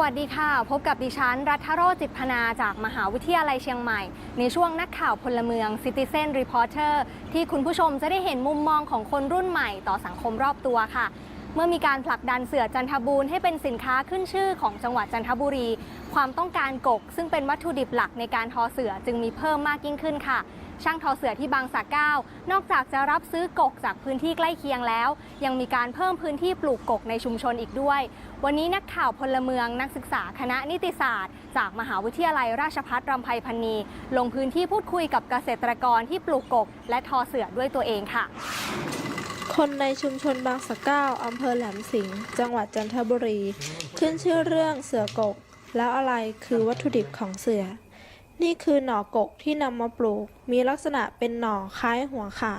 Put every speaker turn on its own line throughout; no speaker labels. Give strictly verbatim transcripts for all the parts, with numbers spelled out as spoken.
วัสดีค่ะพบกับดิฉันรัฐโรจน์จิตพนาจากมหาวิทยาลัยเชียงใหม่ในช่วงนักข่าวพลเมือง Citizen Reporter ที่คุณผู้ชมจะได้เห็นมุมมองของคนรุ่นใหม่ต่อสังคมรอบตัวค่ะเมื่อมีการผลักดันเสือจันทบูรณ์ให้เป็นสินค้าขึ้นชื่อของจังหวัดจันทบุรีความต้องการกกซึ่งเป็นวัตถุดิบหลักในการทอเสือจึงมีเพิ่มมากยิ่งขึ้นค่ะช่างทอเสือที่บางสะเก้านอกจากจะรับซื้อกกจากพื้นที่ใกล้เคียงแล้วยังมีการเพิ่มพื้นที่ปลูกกกในชุมชนอีกด้วยวันนี้นักข่าวพลเมืองนักศึกษาคณะนิติศาสตร์จากมหาวิทยาลัยราชภัฏรำไพพรรณีลงพื้นที่พูดคุยกับเกษตรกรที่ปลูกกกและทอเสือด้วยตัวเองค่ะ
คนในชุมชนบางสะเก้าอำเภอแหลมสิงห์จังหวัดจันทบุรีขึ้นชื่อเรื่องเสือกกแล้วอะไรคือวัตถุดิบของเสือนี่คือหน่อกกที่นำมาปลูกมีลักษณะเป็นหน่อคล้ายหัวขา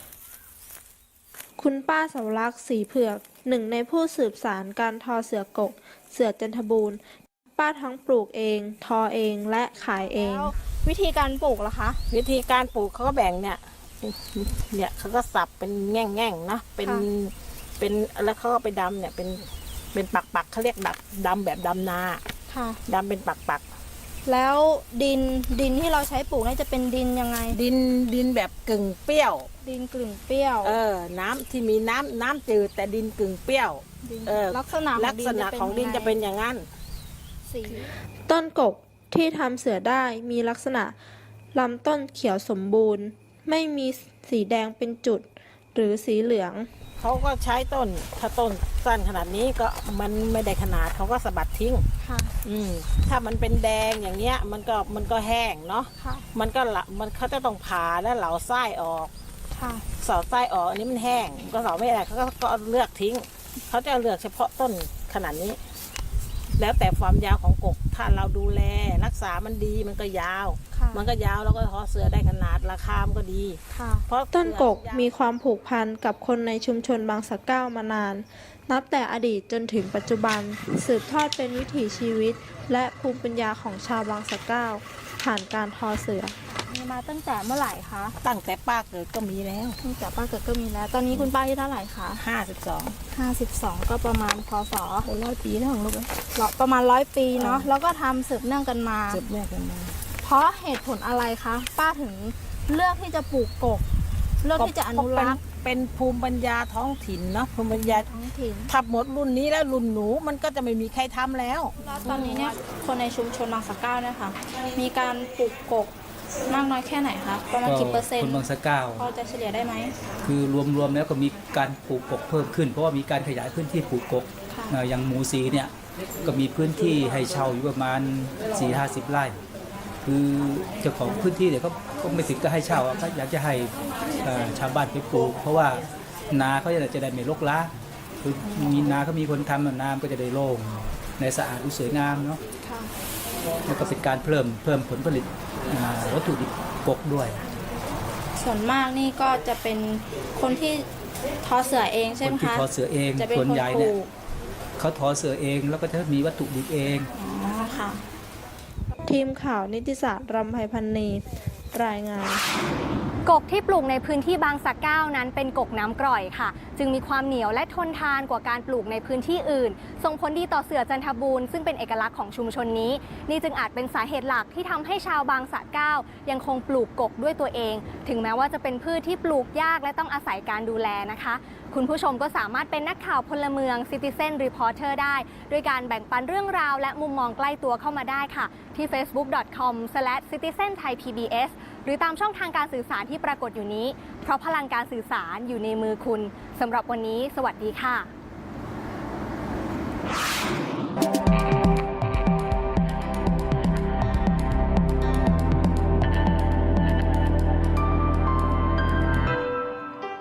คุณป้าเสาวรักษ์ศรีเผือกหนึ่งในผู้สืบสานการทอเสือกกเสือจันทบูรณ์ป้าทั้งปลูกเองทอเองและขายเองวิธีการปลูกล่ะคะ
วิธีการปลูกเขาก็แบ่งเนี่ยเนี่ยเขาก็สับเป็นแง่งๆนะเป็นเป็นแล้วเขาก็ไปดำเนี่ยเป็นเป็นปักปักเขาเรียกดับดำแบบดำนาดำเป็นปักปัก
แล้วดินดินที่เราใช้ปลูกนี่จะเป็นดินยังไง
ดินดินแบบกึ่งเปรี้ยว
ดินกึ่งเปรี้ยว
เออน้ำที่มีน้ำน้ำจืดแต่ดินกึ่งเปรี้ยว
เออลักษณะ
ลักษณะของดินจะเป็นอย่างนั้น
สีต้นกกที่ทำเสือได้มีลักษณะลำต้นเขียวสมบูรณ์ไม่มีสีแดงเป็นจุดหรือสีเหลือง
เขาก็ใช้ต้นถ้าต้นสั้นขนาดนี้ก็มันไม่ได้ขนาดเขาก็สะบัดทิ้ง
ค่ะ
อืมถ้ามันเป็นแดงอย่างเงี้ยมันก็มันก็แห้งเนาะ
ค่ะ
มันก็ละมันเขาจะต้องผ่าแล้วเหลาไส้ออก
ค่ะ
เสาไส้ออกอันนี้มันแห้งก็เสาไม่ได้เขาก็ก็เลือกทิ้งเขาจะเลือกเฉพาะต้นขนาดนี้แล้วแต่ความยาวของกกถ้าเราดูแลรักษามันดีมันก็ยาวมันก็ยาวแล้วก็ทอเสือได้ขนาดราคามันก็ดี
เพราะต้นกกมีความผูกพันกับคนในชุมชนบางสะเก้ามานานนับแต่อดีตจนถึงปัจจุบันสืบทอดเป็นวิถีชีวิตและภูมิปัญญาของชาวบางสะเก้าผ่านการทอเสือมีมาตั้งแต่เมื่อไหร่คะ
ตั้งแต่ป้าเกิดก็มีแล้ว
ตั้งแต่ป้าเกิดก็มีแล้วตอนนี้คุณป้าที่เท่าไหร่คะ
ห้าสิบสอง
ห้าสิบสองก็ประมาณพศ
ร้อยปีแล้วของลูก
ประมาณร้อยปีเนาะแล้วก็ทำสืบเนื่องกันมา
สืบเนื่องกันมา
เพราะเหตุผลอะไรคะป้าถึงเลือกที่จะปลูกกกเลือกที่จะอนุรักษ์
เป็นภูมิปัญญาท้องถิ่นเนาะภูมิปัญญา
ท้องถิ่น
ถ้าหมดรุ่นนี้แล้วรุ่นหนูมันก็จะไม่มีใครทำแล้ว
แล้วตอนนี้เนี่ยคนในชุมชนบางสะเก้าเนี่ยค่ะมีการปลูกกกมากน้อยแค่ไหนคะประมาณกี่เปอร์เซ็นต์
คนบางสะเก้า
พอจะเฉลี่ยได้ไหม
คือรวมๆแล้วก็มีการปลูกกกเพิ่มขึ้นเพราะว่ามีการขยายพื้นที่ปลูกกกอย่างหมูสีเนี่ยก็มีพื้นที่ให้เช่าอยู่ประมาณ สี่ถึงห้าสิบ ไร่คือเจ้าของพื้นที่เนี่ยเขาก็ไม่ถึงก็ให้เช่าเขาอยากจะให้ชาวบ้านไปปลูกเพราะว่านาเขาจะได้ไม่รกร้างคือมีนาเขามีคนทำนาก็จะได้โล่งในสะอาดสวยงามเนาะแล้วก็เป็นการเพิ่มเพิ่มผลผลิตวัตถุดิบกกด้วย
ส่วนมากนี่ก็จะเป็นคนที่ทอเสือเองใช่ไหมคะ
คนที่ทอเสือเองส่วนใหญ่เนี่ยเขาทอเสือเองแล้วก็จะมีวัตถุดิบเอง
อ๋อค่ะทีมข่าวนิติศาสตร์รำไพพรรณีรายงาน
กกที่ปลูกในพื้นที่บางสะเก้านั้นเป็นกกน้ำกร่อยค่ะจึงมีความเหนียวและทนทานกว่าการปลูกในพื้นที่อื่นส่งผลดีต่อเสือจันทบูรณ์ซึ่งเป็นเอกลักษณ์ของชุมชนนี้นี่จึงอาจเป็นสาเหตุหลักที่ทำให้ชาวบางสะเก้ายังคงปลูกกกด้วยตัวเองถึงแม้ว่าจะเป็นพืชที่ปลูกยากและต้องอาศัยการดูแลนะคะคุณผู้ชมก็สามารถเป็นนักข่าวพลเมือง Citizen Reporter ได้ด้วยการแบ่งปันเรื่องราวและมุมมองใกล้ตัวเข้ามาได้ค่ะที่ เฟซบุ๊ก ดอท คอม สแลช ซิติเซน ไทย พี บี เอส หรือตามช่องทางการสื่อสารที่ปรากฏอยู่นี้เพราะพลังการสื่อสารอยู่ในมือคุณสำหรับวันนี้สวัสดีค่ะ